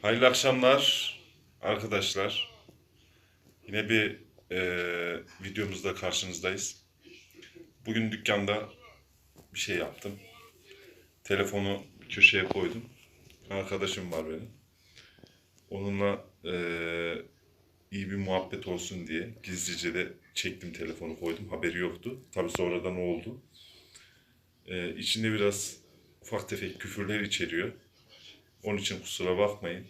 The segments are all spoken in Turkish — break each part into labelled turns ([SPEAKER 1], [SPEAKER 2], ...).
[SPEAKER 1] Hayırlı akşamlar arkadaşlar. Yine bir videomuzda karşınızdayız. Bugün dükkanda bir şey yaptım. Telefonu bir köşeye koydum. Arkadaşım var benim. Onunla iyi bir muhabbet olsun diye gizlice de çektim, telefonu koydum. Haberi yoktu. Tabii sonradan oldu. İçinde biraz ufak tefek küfürler içeriyor. Onun için kusura bakmayın.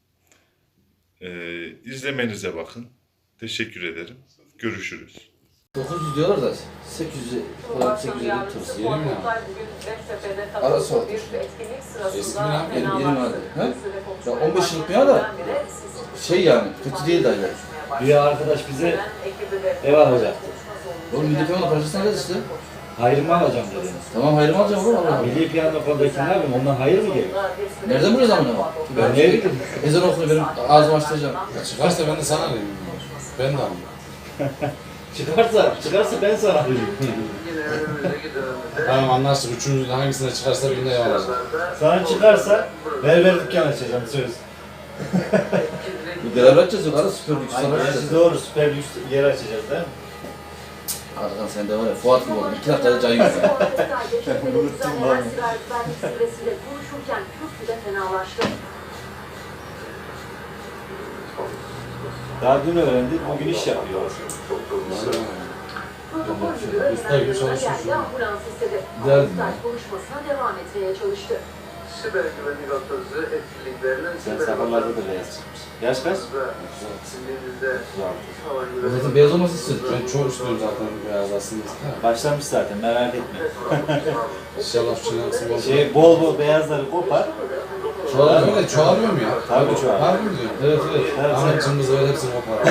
[SPEAKER 1] İzlemenize bakın. Teşekkür ederim. Görüşürüz.
[SPEAKER 2] 900 diyorlar da 800 falan 850 tırsı yeni mi ya? Ara sor.
[SPEAKER 3] Eski mi lan?
[SPEAKER 2] Yeni vardı. Ha? Ya 15 yıllık bir ya da şey yani kötü değil dayılar.
[SPEAKER 4] Bir arkadaş bize ev alacaktı.
[SPEAKER 2] Oğlum milli piyango parçasını alacağız işte.
[SPEAKER 4] Hayır mı alacağım dedi.
[SPEAKER 2] Tamam hayrımı alacağım oğlum Allah.
[SPEAKER 4] Milli piyango konuldaki ne yapayım? Ondan hayır mı geliyor?
[SPEAKER 2] Nereden buluyoruz amına?
[SPEAKER 4] Ben neye gittim?
[SPEAKER 2] Ezan okunu benim ağzımı açtıracağım.
[SPEAKER 3] Ya çıkarsa ben de sana alayım. Ben de alayım.
[SPEAKER 4] Çıkarsa ben sana alayım.
[SPEAKER 3] Tamam anlaştık. Üçümüzün hangisine çıkarsa birine ev alacağım.
[SPEAKER 4] Sana çıkarsa berber dükkanı açacağım söz.
[SPEAKER 2] Beraber açacağız yok arada süper lüks sana
[SPEAKER 4] Gerçi
[SPEAKER 2] açacağız.
[SPEAKER 4] doğru, süper lüks yer açacağız değil mi?
[SPEAKER 2] Arkadan sen de var ya Fuat gibi oldun. 2 dakikada cayıyor ya.
[SPEAKER 4] Unuttum ben. Daha dün öğrendik, bugün iş yapıyor.
[SPEAKER 3] Usta gibi çalışıyor şu an.
[SPEAKER 2] Derdim ya.
[SPEAKER 5] konuşmasına devam etmeye çalıştı. Siber güvenlik atölyesi etkinliklerinin
[SPEAKER 4] Sen sabahlarda da beyaz çıkmış. Yaş kaç?
[SPEAKER 5] Sinirlinizde
[SPEAKER 2] Zaten beyaz olması istedik.
[SPEAKER 3] Ben çok istiyorum zaten beyaz aslında.
[SPEAKER 4] Başlamış zaten, merak etme.
[SPEAKER 3] İnşallah şu şeyden nasıl olur.
[SPEAKER 4] Bol bol beyazları kopar.
[SPEAKER 3] Çoğalıyor mu? Çoğalıyor mu ya?
[SPEAKER 4] Tabii çoğalıyor.
[SPEAKER 3] Harbi mi diyorsun?
[SPEAKER 2] Evet evet.
[SPEAKER 3] Ahmet cımbız öyle hepsini kopar.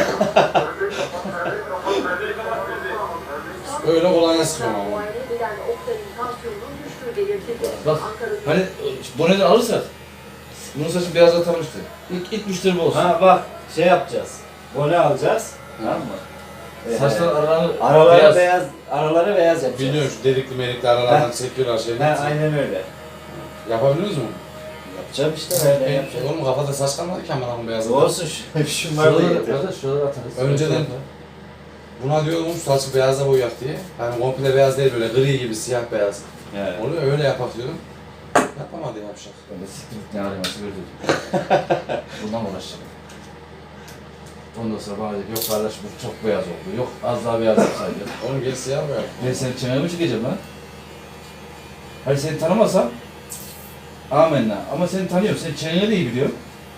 [SPEAKER 3] Öyle kolay sıkıyorum ama.
[SPEAKER 2] Bak hani boneden alırsak bunun saçı beyazlatanmıştı. İlk müşteri bu olsun.
[SPEAKER 4] Ha bak, şey yapacağız. Bone alacağız. Tamam mı?
[SPEAKER 2] Saçların aralarını
[SPEAKER 4] Aralara beyaz yapacağız.
[SPEAKER 3] Biliyorum şu delikli melikli aralardan çekiyorlar şeyleri.
[SPEAKER 4] Aynen öyle.
[SPEAKER 3] Yapabiliyoruz mu?
[SPEAKER 4] Yapacağım işte, öyle yapacağım.
[SPEAKER 3] Oğlum kafada saç kalmadı ki amına koyayım beyazladı.
[SPEAKER 4] Olsun, şunları da getir.
[SPEAKER 2] Şuraları atarız.
[SPEAKER 3] Önceden buna diyordum saçı beyaza boyayak diye. Hani komple beyaz değil böyle gri gibi siyah beyaz.
[SPEAKER 4] Evet.
[SPEAKER 3] Onu öyle yapak diyordum. Yapamadı yapacak.
[SPEAKER 2] Ben de siktir git ne araması gördüm. Bundan uğraşacağım. Ondan sonra bana dedi yok kardeşim bu çok beyaz oldu. Yok az daha beyaz yapsaydı.
[SPEAKER 3] Oğlum gel siyah boyak.
[SPEAKER 2] Ben senin çenene mi çekeceğim lan? Hayır seni tanımasam amenna. Ama seni tanıyorum. Senin çeneni de iyi biliyorum.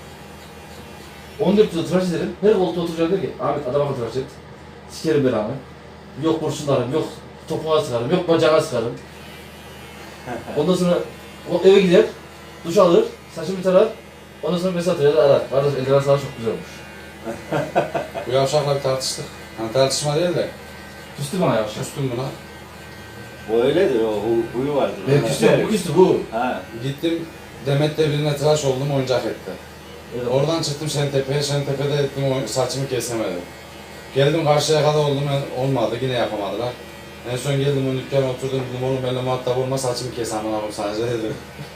[SPEAKER 2] 14 yıl tıraş ederim. Her koltuğa oturacak der ki Ahmet adama tıraş et. Sikerim belanı. Yok kurşunlarım, yok topuğa sıkarım, yok bacağına sıkarım. Ondan sonra o eve gider, duş alır, saçımı tarar. Ondan sonra mesaj atar, arar. Kardeş eldiven sana çok güzel olmuş.
[SPEAKER 3] Bu yavşakla bir tartıştık. Hani tartışma değil de.
[SPEAKER 2] Küstü bana yavaş.
[SPEAKER 3] Küstüm buna.
[SPEAKER 4] O öyledir, o huyu vardır.
[SPEAKER 2] Ben küstü, bu küstü bu.
[SPEAKER 4] Ha.
[SPEAKER 3] Gittim Demet'te birine tıraş oldum oyuncak etti.
[SPEAKER 2] Evet.
[SPEAKER 3] Oradan çıktım Şentepe'ye, Şentepe'de ettim saçımı kesemedim. Geldim karşıya kadar oldum, olmadı yine yapamadılar. En son geldim o dükkana oturdum dedim oğlum benimle muhatap olma saçımı kes amına koyayım sadece dedim.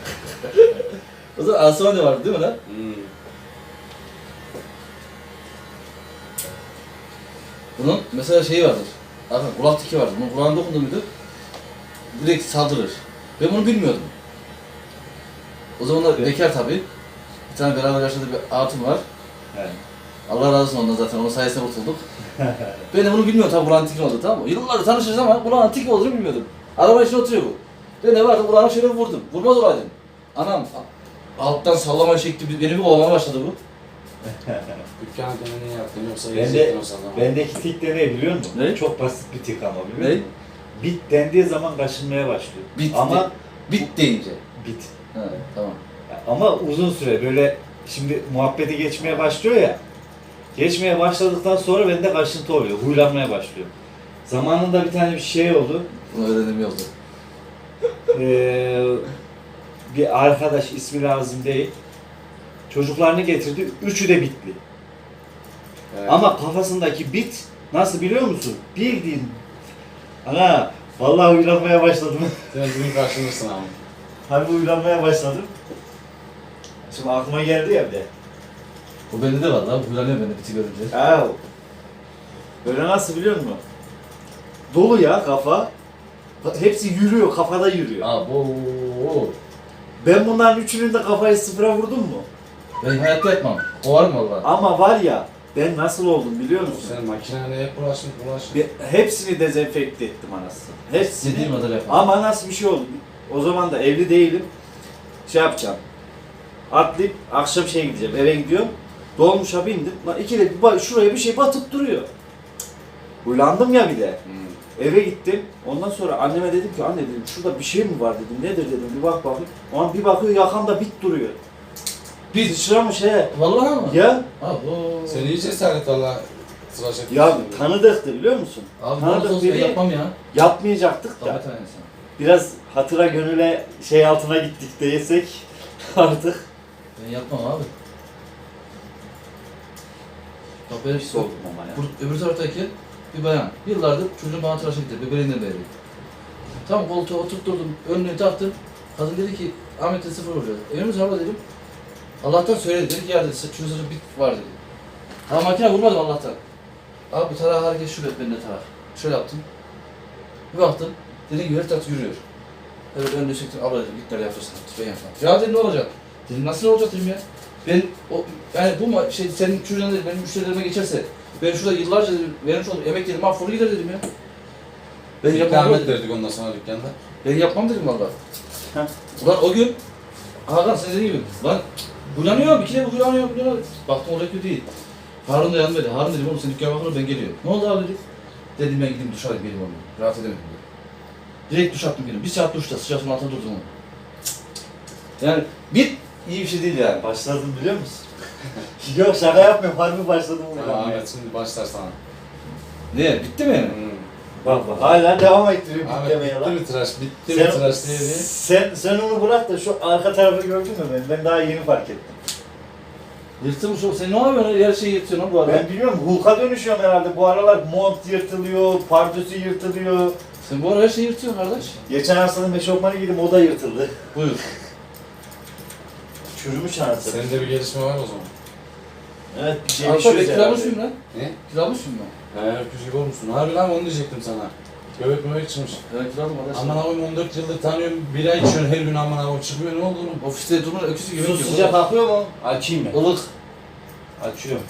[SPEAKER 2] O zaman Asuman da vardı değil mi lan? Bunun mesela şeyi vardır. Bakın kulak tiki vardır. Bunun kulağına dokundu muydu? Direkt saldırır. Ben bunu bilmiyordum. O zamanlar bekar tabii. Bir tane beraber yaşadığı bir hatun var.
[SPEAKER 4] Evet.
[SPEAKER 2] Allah razı olsun ondan zaten, onun sayesinde kurtulduk. Ben de bunu bilmiyorum tabii kulağın tiki oldu tamam mı? Yıllardır tanışırız ama kulağın tiki olduğunu bilmiyordum. Arabanın içine oturuyor bu. Ben de vardı kulağına şöyle vurdum. Vurmaz olaydım. Anam alttan sallama çekti, beni bir kovalamaya başladı bu.
[SPEAKER 3] Dükkana gene niye yaptın yoksa
[SPEAKER 4] Bende-
[SPEAKER 3] yiyecektin o zaman.
[SPEAKER 4] Bendeki tik de ne biliyor musun?
[SPEAKER 2] Ne?
[SPEAKER 4] Çok basit bir tik ama biliyor
[SPEAKER 2] Ne?
[SPEAKER 4] musun? Bit dendiği zaman kaşınmaya başlıyor.
[SPEAKER 2] Bit,
[SPEAKER 4] Ama
[SPEAKER 2] bit deyince.
[SPEAKER 4] bit.
[SPEAKER 2] He tamam.
[SPEAKER 4] Ama uzun süre böyle şimdi muhabbeti geçmeye başlıyor ya. Geçmeye başladıktan sonra bende kaşıntı oluyor, huylanmaya başlıyor. Zamanında bir tane bir şey oldu.
[SPEAKER 2] Bunu öğrendim yolda.
[SPEAKER 4] Bir arkadaş ismi lazım değil. Çocuklarını getirdi, üçü de bitli.
[SPEAKER 3] Evet.
[SPEAKER 4] Ama kafasındaki bit nasıl biliyor musun? Bildiğin. Ana vallahi uylanmaya başladım.
[SPEAKER 3] Sen bugün karşılaşırsın ama.
[SPEAKER 4] Harbi uylanmaya başladım. Şimdi aklıma geldi ya bir de.
[SPEAKER 2] O bende de var lan. Huylanıyor bende biti görünce.
[SPEAKER 4] Ya böyle nasıl biliyor musun? Dolu ya kafa. Hepsi yürüyor, kafada yürüyor.
[SPEAKER 2] Abo.
[SPEAKER 4] Ben bunların üçünün de kafayı sıfıra vurdum mu?
[SPEAKER 2] Ben hayatta yapmam. O var mı valla?
[SPEAKER 4] Ama var ya, ben nasıl oldum biliyor musun?
[SPEAKER 3] Sen makinene hep bulaşın.
[SPEAKER 4] Hepsini dezenfekte ettim anasını. Hepsini.
[SPEAKER 2] Dediğim kadar yapmam.
[SPEAKER 4] Ama nasıl bir şey oldu? O zaman da evli değilim. Şey yapacağım. Atlayıp akşam şeye gideceğim. Eve gidiyorum. Dolmuşa bindim. Lan ikide bir şuraya bir şey batıp duruyor. Uylandım ya bir de. Eve gittim. Ondan sonra anneme dedim ki anne dedim şurada bir şey mi var dedim. Nedir dedim bir bak bakayım. O an bir bakıyor yakamda bit duruyor.
[SPEAKER 2] Bit.
[SPEAKER 4] Sıçramış he.
[SPEAKER 2] Vallahi mı?
[SPEAKER 4] Ya.
[SPEAKER 2] Abo.
[SPEAKER 3] Sen iyi cesaret valla. Tıraş etmişsin.
[SPEAKER 4] Ya tanıdıktı biliyor musun?
[SPEAKER 2] Abi
[SPEAKER 4] Tanıdık
[SPEAKER 2] bana olsa ben
[SPEAKER 4] biri.
[SPEAKER 2] yapmam ya.
[SPEAKER 4] Yapmayacaktık da.
[SPEAKER 2] Tabii tanesi.
[SPEAKER 4] Biraz hatıra gönüle şey altına gittik desek artık.
[SPEAKER 2] Ben yapmam abi. Bak ben
[SPEAKER 4] Pis oldum ama ya.
[SPEAKER 2] öbür taraftaki bir bayan. Yıllardır çocuğum bana tıraş etti. Bebeğinden beri. Tam koltuğa oturtturdum. Önlüğü taktım. Kadın dedi ki Ahmet'e sıfır vuracağız. Önümüz hava dedim. Allah'tan söyledi. Dedi ki ya dedi şurada bit var dedi. Ha makine vurmadım Allah'tan. Abi tarağı hareket şu ben de tarak. Şöyle yaptım. Bir baktım. Dediğim gibi her taraf yürüyor. Evet önlüğü çektim. Abla dedim git nerede yapıyorsun? Ben yapmam. Ya dedim ne olacak? Dedim nasıl ne olacak dedim ya. Ben o yani bu şey senin çocuğun dedim benim müşterilerime geçerse ben şurada yıllarca dedim, vermiş olduğum emek dedim mahvolur gider dedim ya. Ben yapmam
[SPEAKER 3] Ahmet
[SPEAKER 2] dedim.
[SPEAKER 3] verdik ondan sonra dükkanda.
[SPEAKER 2] Ben yapmam dedim valla.
[SPEAKER 4] Heh.
[SPEAKER 2] Ulan o gün Hakan sen dediğin gibi lan bulanıyorum bir kere bulanıyorum. Baktım olacak gibi değil. Harun da yanımdaydı. Harun dedim oğlum sen dükkana bakın ben geliyorum. Ne oldu abi dedi. Dedim ben gideyim duş alayım geleyim oğlum. Rahat edemedim dedi. Direkt duş attım geldim. Bir saat duşta sıcak suyun altında durdum oğlum. Yani bir iyi bir şey değil yani.
[SPEAKER 4] Başladım biliyor musun? Yok şaka yapmıyorum. Harbi başladım.
[SPEAKER 3] Tamam Ahmet şimdi başlar sana.
[SPEAKER 2] Ne bitti mi?
[SPEAKER 4] Bak bak hala devam ettiriyor
[SPEAKER 3] Ahmet
[SPEAKER 4] bitlemeye
[SPEAKER 3] bitti
[SPEAKER 4] lan.
[SPEAKER 3] mi tıraş? Bitti mi tıraş diye diye.
[SPEAKER 4] Sen onu bırak da şu arka tarafı gördün mü ben? Ben daha yeni fark ettim.
[SPEAKER 2] Yırtılmış o. Sen ne yapıyorsun? Her şeyi yırtıyorsun lan bu arada.
[SPEAKER 4] Ben bilmiyorum Hulk'a dönüşüyorum herhalde. Bu aralar mont yırtılıyor, pardösü yırtılıyor.
[SPEAKER 2] Sen bu ara her şeyi yırtıyorsun kardeş.
[SPEAKER 4] Geçen hastanın eşofmanı giydim o da yırtıldı.
[SPEAKER 2] Buyur.
[SPEAKER 4] Çürümüş anasını.
[SPEAKER 3] Senin de bir gelişme var o zaman.
[SPEAKER 4] Evet bir şey
[SPEAKER 2] Alfa ben
[SPEAKER 4] düşüyoruz
[SPEAKER 2] kiramış
[SPEAKER 4] herhalde.
[SPEAKER 2] mıyım lan?
[SPEAKER 3] Ne?
[SPEAKER 2] Kiramış mıyım ben?
[SPEAKER 3] Öküz gibi olmuşsun. Harbi lan onu diyecektim sana. Göbek möbek çıkmış.
[SPEAKER 2] Evet kiradım kardeş.
[SPEAKER 3] Aman abim 14 yıldır tanıyorum. Bira içiyorsun her gün aman abim çıkmıyor ne oldu oğlum?
[SPEAKER 2] Ofiste durma öküzü gibi.
[SPEAKER 4] Su sıcak akıyor mu?
[SPEAKER 3] Açayım mı?
[SPEAKER 2] Ilık.
[SPEAKER 3] Açıyorum.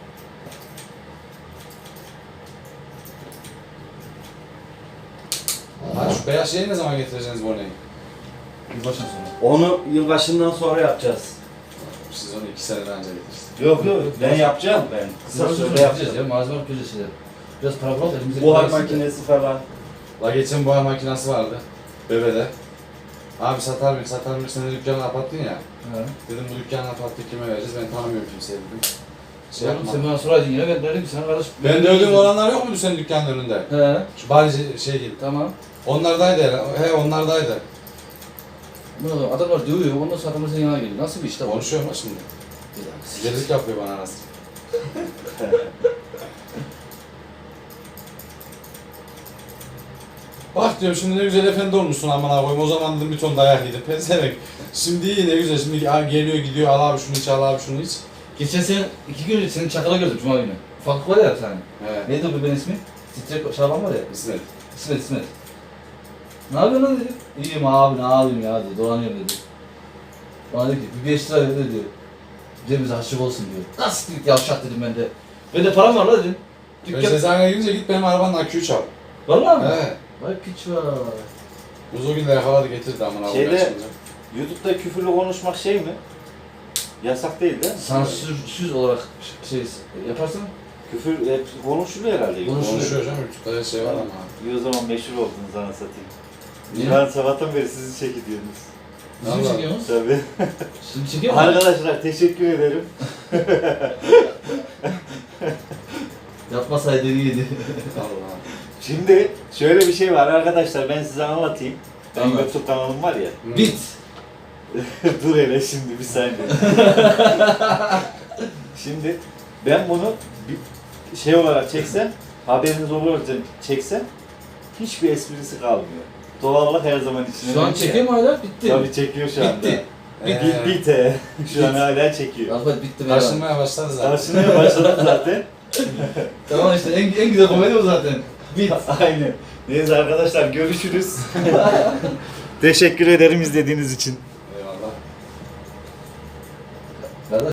[SPEAKER 3] Ha şu beyaz şeyi ne zaman getireceksiniz Bone'yi?
[SPEAKER 2] Bir başına sonra.
[SPEAKER 4] Onu yılbaşından sonra yapacağız.
[SPEAKER 3] Siz onu 2 sene önce getirirsiniz.
[SPEAKER 4] Yok yok ben yapacağım ben. Kısa
[SPEAKER 2] Kısa
[SPEAKER 4] sürede
[SPEAKER 2] sürede yapacağız
[SPEAKER 4] yapacağım.
[SPEAKER 2] ya. Malzeme yapacağız şeyler. Biraz para bulalım elimize.
[SPEAKER 4] Buhar
[SPEAKER 2] bir para
[SPEAKER 4] makinesi falan.
[SPEAKER 3] La geçen buhar makinesi vardı. Bebe'de. Abi satar mıyım sen de dükkanı kapattın ya.
[SPEAKER 2] He.
[SPEAKER 3] Dedim bu dükkanı kapattık kime vereceğiz ben tanımıyorum kimseye dedim. Şey
[SPEAKER 2] Oğlum
[SPEAKER 3] yapma.
[SPEAKER 2] sen bana soraydın yine ben derdim ki sana kardeş.
[SPEAKER 3] Ben de öldüğüm olanlar yok muydu senin dükkanın önünde?
[SPEAKER 2] He.
[SPEAKER 3] Şu bari şey gibi.
[SPEAKER 2] Tamam.
[SPEAKER 3] Onlardaydı herhalde. He onlardaydı.
[SPEAKER 2] Ne oldu? Adamlar dövüyor. Ondan sonra adamlar senin yanına geliyor. Nasıl bir iş de bu?
[SPEAKER 3] Konuşuyor mu şimdi?
[SPEAKER 2] Bir
[SPEAKER 3] Gerizlik yapıyor bana arası. Bak diyorum şimdi ne güzel efendi olmuşsun aman abim o zaman dedim bir ton dayak yedim pezevenk. Şimdi iyi ne güzel şimdi geliyor gidiyor al abi şunu iç al abi şunu iç.
[SPEAKER 2] Geçen sene 2 gün önce senin çakala gördüm Cuma günü. Ufaklık var ya bir tane.
[SPEAKER 3] He.
[SPEAKER 2] Neydi o bebeğin ismi? Titrek Şaban var ya.
[SPEAKER 3] İsmet.
[SPEAKER 2] İsmet. Ne yapıyorsun lan dedi. İyiyim abi ne yapayım ya dedi. Dolanıyorum dedi. Bana dedi ki bir 5 lira ver dedi. Bize bize harçlık olsun diyor. Nasıl dedik yavşak dedim ben de. Ben de param var la dedim.
[SPEAKER 3] Ben
[SPEAKER 2] Dükkan...
[SPEAKER 3] cezana girince git benim arabanın aküyü çal.
[SPEAKER 2] Valla mı?
[SPEAKER 3] He.
[SPEAKER 2] Vay piç var.
[SPEAKER 3] Biz o gün de yakaladı getirdi aman abim.
[SPEAKER 4] Şeyde-
[SPEAKER 3] kaçınca.
[SPEAKER 4] YouTube'da küfürlü konuşmak şey mi? Yasak değil değil mi?
[SPEAKER 2] Sansürsüz olarak şey yaparsan
[SPEAKER 4] Küfür hep konuşuluyor herhalde.
[SPEAKER 3] Konuşuyor canım YouTube'da her şey var ama.
[SPEAKER 4] İyi o zaman meşhur oldunuz ana satayım.
[SPEAKER 2] Niye?
[SPEAKER 4] Ben sabahtan beri sizi çekiyordunuz.
[SPEAKER 2] bizi mi
[SPEAKER 3] Vallahi.
[SPEAKER 2] çekiyorsunuz?
[SPEAKER 4] Tabii.
[SPEAKER 2] Şimdi çekiyor musun?
[SPEAKER 4] Arkadaşlar teşekkür ederim.
[SPEAKER 2] Yapmasaydı iyiydi.
[SPEAKER 3] Allah.
[SPEAKER 4] Şimdi şöyle bir şey var arkadaşlar ben size anlatayım. Benim
[SPEAKER 2] Anlat.
[SPEAKER 4] YouTube kanalım var ya.
[SPEAKER 2] Bit.
[SPEAKER 4] Dur hele şimdi bir saniye. Şimdi ben bunu bir şey olarak çeksem, haberiniz olur çeksem hiçbir esprisi kalmıyor. Doğallık her zaman içine.
[SPEAKER 2] Şu an
[SPEAKER 4] düşüyor.
[SPEAKER 2] çekiyor mu hala? Bitti.
[SPEAKER 4] Tabii çekiyor şu anda.
[SPEAKER 2] Bitti.
[SPEAKER 4] Bite. Şu an hala çekiyor.
[SPEAKER 2] Alfa bitti be. abi.
[SPEAKER 3] Karşılmaya başladı zaten.
[SPEAKER 4] Karşımaya başladım zaten.
[SPEAKER 2] Tamam işte en güzel komedi o zaten. Bit.
[SPEAKER 4] Aynen. Neyse arkadaşlar görüşürüz. Teşekkür ederim izlediğiniz için.